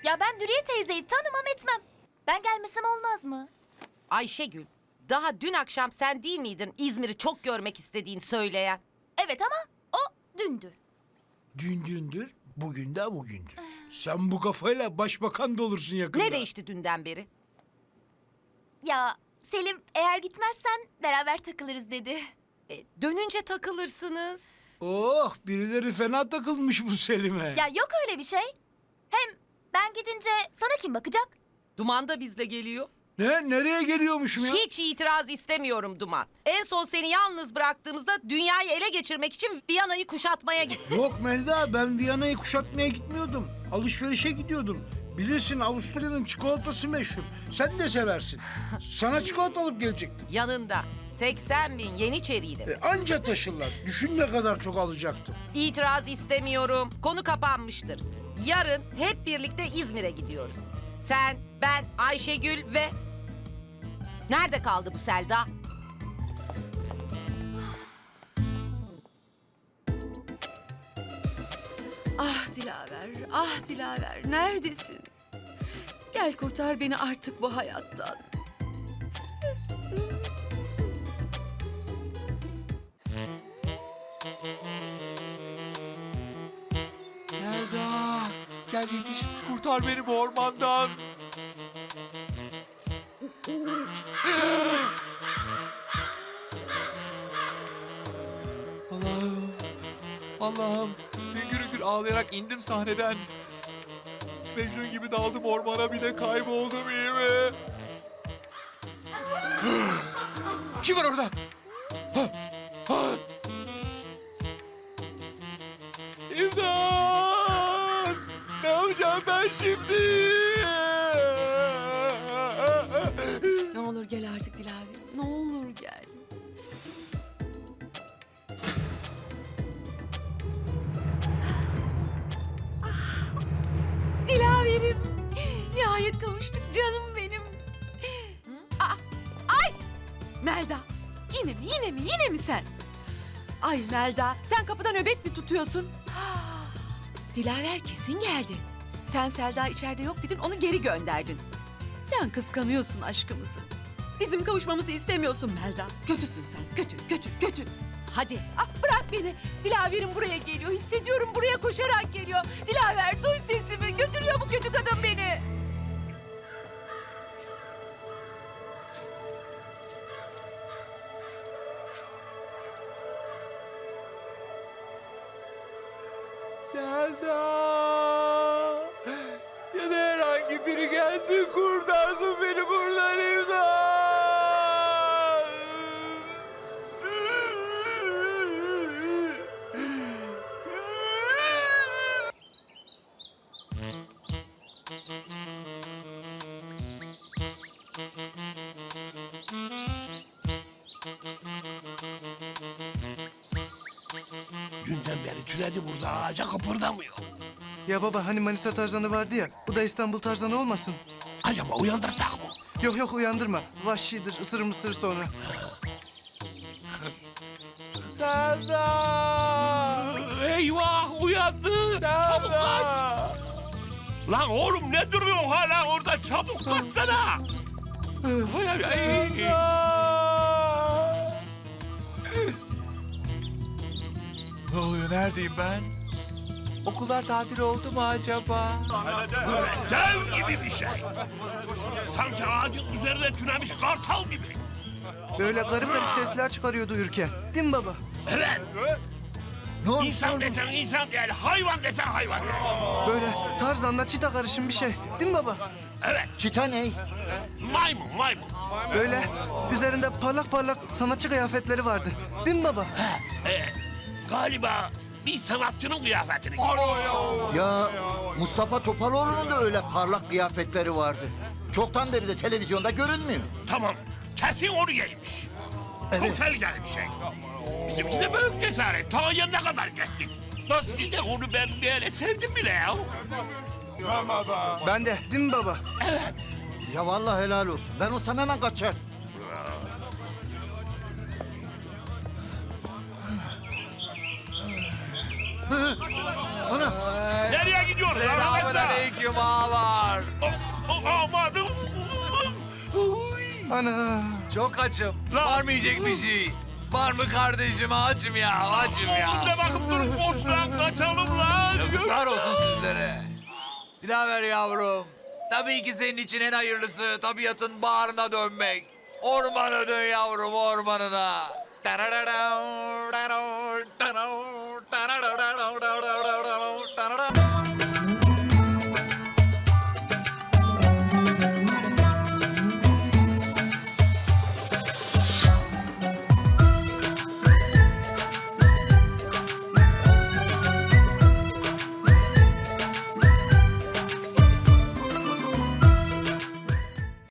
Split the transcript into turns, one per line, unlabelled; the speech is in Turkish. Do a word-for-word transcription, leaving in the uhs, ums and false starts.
Ya ben Dürüye teyzeyi tanımam etmem. Ben gelmesem olmaz mı?
Ayşegül, daha dün akşam sen değil miydin İzmir'i çok görmek istediğini söyleyen?
Evet ama o dündü.
Dün dündür, bugün de bugündür. Sen bu kafayla başbakan da olursun yakında.
Ne değişti dünden beri?
Ya Selim eğer gitmezsen beraber takılırız dedi.
E, dönünce takılırsınız.
Oh, birileri fena takılmış bu Selim'e.
Ya yok öyle bir şey. Hem ben gidince sana kim bakacak?
Duman da bizle geliyor.
Ne, nereye geliyormuşum ya?
Hiç itiraz istemiyorum Duman. En son seni yalnız bıraktığımızda dünyayı ele geçirmek için Viyana'yı kuşatmaya gittim.
Yok Melda, ben Viyana'yı kuşatmaya gitmiyordum. Alışverişe gidiyordum. Bilirsin Avusturya'nın çikolatası meşhur. Sen de seversin. Sana çikolata alıp gelecektim.
Yanında seksen bin Yeniçeriyle.
E, anca taşırlar. Düşün ne kadar çok alacaktım.
İtiraz istemiyorum. Konu kapanmıştır. Yarın hep birlikte İzmir'e gidiyoruz. Sen, ben, Ayşegül ve... Nerede kaldı bu Selda?
Ah Dilaver, ah Dilaver, neredesin? Gel kurtar beni artık bu hayattan.
Selda, gel yetiş, kurtar beni bu ormandan. Allah'ım, Allah'ım. Hüngür hüngür ağlayarak indim sahneden. Mecnun gibi daldım ormana, bir de kayboldum, iyi mi? Kim var orada? Ha, ha. İmdat! Ne yapacağım ben şimdi?
Ne olur gel artık Dilaver, ne olur gel. Ah, Dilaver'im, nihayet kavuştuk canım benim. Aa, ay! Melda, yine mi, yine mi, yine mi sen? Ay Melda, sen kapıda nöbet mi tutuyorsun? Dilaver kesin geldi. Sen Selda içeride yok dedin, onu geri gönderdin. Sen kıskanıyorsun aşkımızı. Bizim kavuşmamızı istemiyorsun Melda. Kötüsün sen, kötü, kötü, kötü.
Hadi.
Ah bırak beni. Dilaver'im buraya geliyor. Hissediyorum buraya koşarak geliyor. Dilaver duy sesimi. Götürüyor bu kötü kadın beni.
Selda! Ya da herhangi biri gelsin, kurtarsın beni buradan, imdat!
Dünden beri türedi burada, ağaca kıpırdamıyor.
Ya baba hani Manisa Tarzanı vardı ya, bu da İstanbul Tarzanı olmasın?
Acaba uyandırsak mı?
Yok yok uyandırma, vahşidir, ısırır mısır sonra.
Selda!
Eyvah, uyandı! Çabuk kaç!
Selda!
Lan oğlum ne duruyorsun hala orada? Çabuk kaçsana! Ay, ay, ay.
Ne oluyor, neredeyim ben? Okullar tatil oldu mu acaba?
Dev gibi bir şey. Sanki ağacın üzerine tünemiş kartal gibi.
Böyle garip garip sesler çıkarıyordu uyurken. Değil mi baba?
Evet.
Ne olmuş,
İnsan desen insan değil, hayvan desen hayvan.
Böyle Tarzan'la çita karışım bir şey. Değil mi baba?
Evet.
Çita ne?
Maymun, maymun.
Böyle üzerinde parlak parlak sanatçı kıyafetleri vardı. Değil mi baba?
Ee, galiba bir sanatçının kıyafetini giymiş.
Ya Mustafa Topaloğlu'nun da öyle parlak kıyafetleri vardı. Çoktan beri de televizyonda görünmüyor.
Tamam, kesin onu giymiş.
Evet.
Çok tehlikeli bir şey. Bizimki de büyük cesaret. Ta yanına kadar gittik. Nasıl ki de onu ben böyle sevdim bile ya.
Ben de. Değil mi baba?
Ya vallahi helal olsun. Ben olsam hemen kaçar.
Nereye gidiyoruz?
Selamun aleyküm ağalar.
Amanım.
Ana.
Çok açım.
Lan.
Var mı yiyecek bir şey? Var mı kardeşim? Açım ya, açım ya.
Oğlum ne bakıp durup boşluğa kaçalım lan.
Yazıklar olsun sizlere. Dilaver yavrum. Tabii ki senin için en hayırlısı tabiatın bağrına dönmek. Ormana dön yavrum, ormanına. Tararara.